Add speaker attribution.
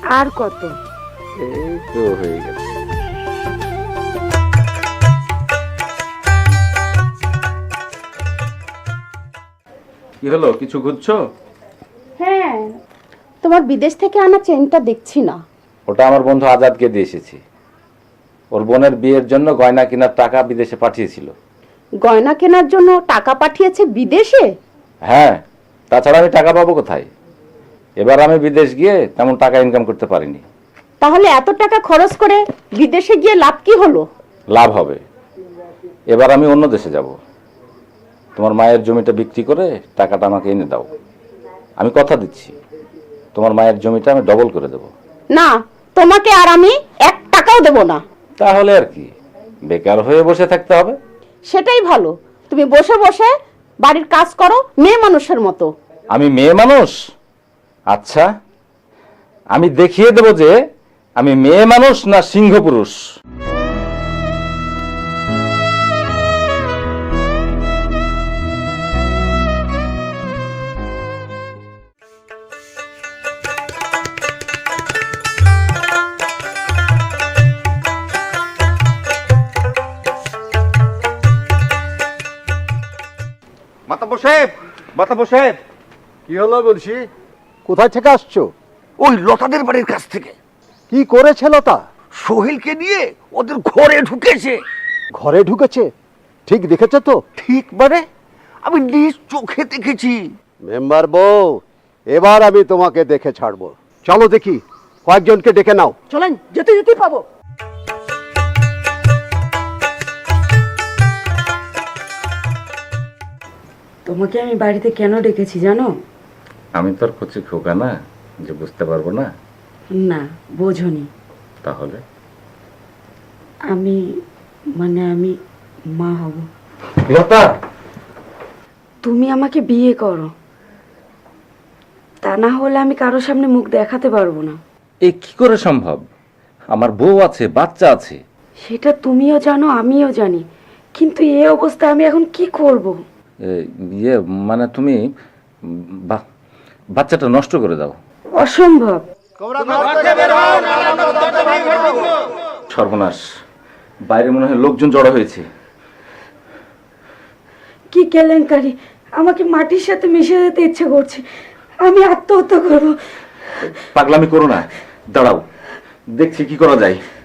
Speaker 1: আর কত?
Speaker 2: এই তো হয়ে গেল। কি হলো, কিছু খুঁজছো?
Speaker 1: হ্যাঁ, তোমার বিদেশ থেকে আনা চেনটা দেখছি না।
Speaker 2: ওটা আমার বন্ধু আজাদকে দিয়ে এসেছি। ওর বোনের বিয়ের জন্য গয়না কেনার টাকা বিদেশে পাঠিয়েছিল।
Speaker 1: গয়না কেনার জন্য টাকা পাঠিয়েছে বিদেশে?
Speaker 2: হ্যাঁ, তাছাড়া আমি টাকা পাবো কোথায়? এবার আমি বিদেশ গিয়ে তেমন টাকা ইনকাম করতে পারিনি।
Speaker 1: তাহলে এত টাকা খরচ করে বিদেশে গিয়ে লাভ কি হলো?
Speaker 2: লাভ হবে, এবার আমি অন্য দেশে যাব। তোমার মায়ের জমিটা বিক্রি করে টাকাটা আমাকে এনে দাও। আমি কথা দিচ্ছি, তোমার মায়ের জমিটা আমি ডবল করে দেব।
Speaker 1: না, তোমাকে আর আমি 1 টাকাও দেব না।
Speaker 2: তাহলে আর কি, বেকার হয়ে বসে থাকতে হবে?
Speaker 1: সেটাই ভালো, তুমি বসে বসে বাড়ির কাজ করো মেয়ে মানুষের মতো।
Speaker 2: আমি মেয়ে মানুষ? আচ্ছা, আমি দেখিয়ে দেব যে আমি মেয়ে মানুষ না সিংহ পুরুষ।
Speaker 3: মাতাব্বর সাহেব, মাতাব্বর সাহেব,
Speaker 4: কি হলো বলছি? কোথায় থেকে আসছো?
Speaker 3: ওই লতাদের বাড়ির কাছ থেকে।
Speaker 4: কি করেছে লতা?
Speaker 3: সোহেলকে নিয়ে ওদের ঘরে ঢুকেছে।
Speaker 4: ঘরে ঢুকেছে? ঠিক দেখেছো তো?
Speaker 3: ঠিক মানে? আমি নিজ চোখে দেখেছি।
Speaker 4: মেম্বার বউ, এবার আমি তোমাকে দেখে ছাড়বো। চলো দেখি, কয়েকজনকে ডেকে নাও।
Speaker 1: চলেন, যেতে যেতে পাবো। তোমাকে আমি বাড়িতে কেন ডেকেছি জানো?
Speaker 2: আমি তোর কচি খোকা না যে বুঝতে পারবো না?
Speaker 1: না, বোঝনি।
Speaker 2: তাহলে
Speaker 1: আমি মা হব।
Speaker 2: লতা,
Speaker 1: তুমি আমাকে বিয়ে করো, তা না হলে আমি কারোর সামনে মুখ দেখাতে পারবো না।
Speaker 2: এ কি করে সম্ভব? আমার বউ আছে, বাচ্চা আছে।
Speaker 1: সেটা তুমিও জানো, আমিও জানি, কিন্তু এই অবস্থায় আমি এখন কি করব?
Speaker 2: ইয়ে মানে তুমি বাচ্চাটা নষ্ট করে দাও।
Speaker 1: অসম্ভব।
Speaker 2: সর্বনাশ, বাইরে মনে হয় লোকজন জড়ো হয়েছে।
Speaker 1: কি কেলেঙ্কারি! আমাকে মাটির সাথে মিশে যেতে ইচ্ছে করছে। আমি আত্মহত্যা করব।
Speaker 2: পাগলামি করো না, দাঁড়াও, দেখছি কি করা যায়।